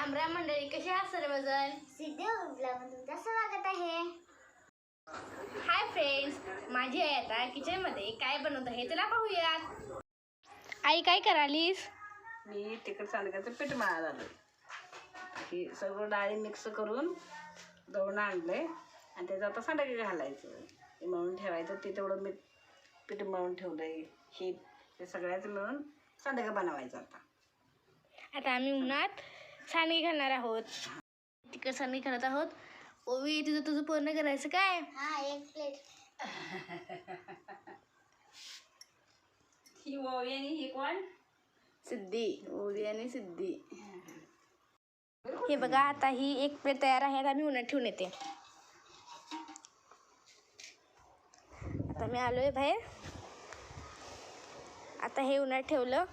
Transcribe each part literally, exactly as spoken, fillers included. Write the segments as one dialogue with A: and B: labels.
A: राम राम मंडळी, कसे आहात सर्वजण?
B: सिद्धे ब्लॉगमध्ये तुमचं स्वागत आहे.
A: हाय फ्रेंड्स, माझी आई आता किचनमध्ये काय बनवत आहे चला पाहूयात. आई काय करालीस?
C: मी तिखट सांडग्याचं पीठ मळायला आलं. हे सगळं डाळी मिक्स करून दळून आणलंय आणि त्याचं आता सांडगे घालायचं, ते मळून ठेवायचं. ते तेवढं मी पीठ मळून ठेवलंय. हे ते सगळ्याचं मिळून सांडगे बनवायचं. आता
A: आता आम्ही उन्हात सांडगे घालणार आहोत. तिखट सांडगे घालत आहोत. ओवी, तुझं तुझं पूर्ण करायचं काय?
B: हा, एक प्लेट.
C: ही ओवी आणि ही कोण?
A: सिद्धी. ओवी आणि सिद्धी. हे बघा, आता ही एक प्लेट तयार आहे. आता मी उन्हात ठेवून येते. आता मी आलोय बाहेर. आता हे उन्हात ठेवलं.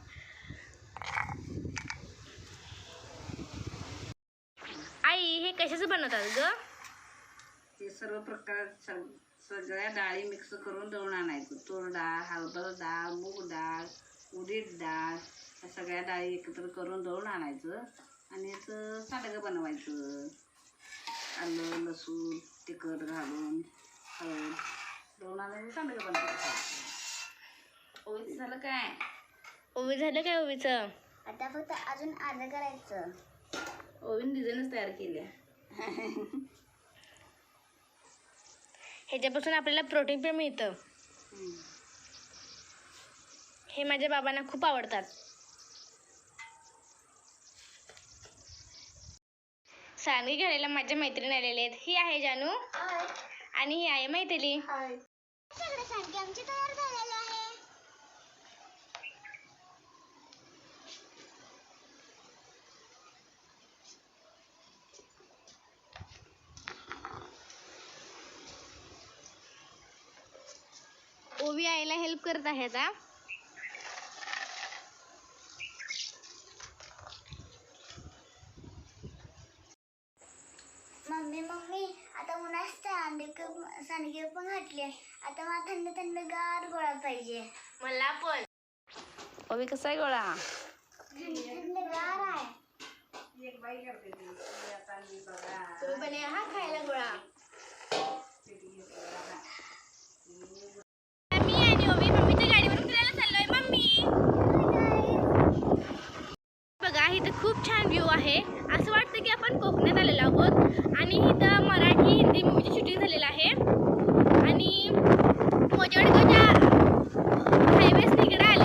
A: आई, हे कशाचं बनवतात ग?
C: ते सर्व प्रकार सग सगळ्या डाळी मिक्स करून दळून आणायचं. तूर डाळ, हरभरा डाळ, मूग डाळ, उडीद डाळ, या सगळ्या डाळी एकत्र करून दळून आणायचं आणि याचं सांडगं बनवायचं. आलं, लसूण, तिखट घालून हळद दळून आणायचं, सांडगं बनवायचं. ओवीचं झालं काय?
A: ओवी झालं काय ओवीचं?
B: आता फक्त अजून अर्ध करायचं.
C: ओवीन डिझाईनच तयार केल्या.
A: ह्याच्यापासून आपल्याला प्रोटीन पण मिळतं. हे माझ्या बाबांना खूप आवडतात. सांडगे घालायला माझ्या मैत्रिणी आलेले आहेत. ही आहे जानू आणि ही आहे मैथिली.
B: सगळे सांडगे आमचे तयार झालेले आहे.
A: ओवी आईला हेल्प करत आहे आता.
B: मम्मी मम्मी आता उन्हात सांडगे सांडगे पण घातले. आता मला थंड थंड गार गोळा पाहिजे.
A: मला पण. ओवी कसा आहे गोळा?
B: थंड गार आहे.
C: एक बाई करते ती. आता मी बघा.
A: तुम्ही पण या हा खायला गोळा. मी आणि ओवी मम्मीच्या गाडीवरून फिरायला चाललोय. मम्मी बघा, इथं खूप छान व्ह्यू आहे. असं वाटतं की आपण कोकणात आलेलो आहोत. आणि इथं मराठी हिंदी मूवीची शूटिंग झालेलं आहे. आणि मोजडगावच्या हायवेस तिकडे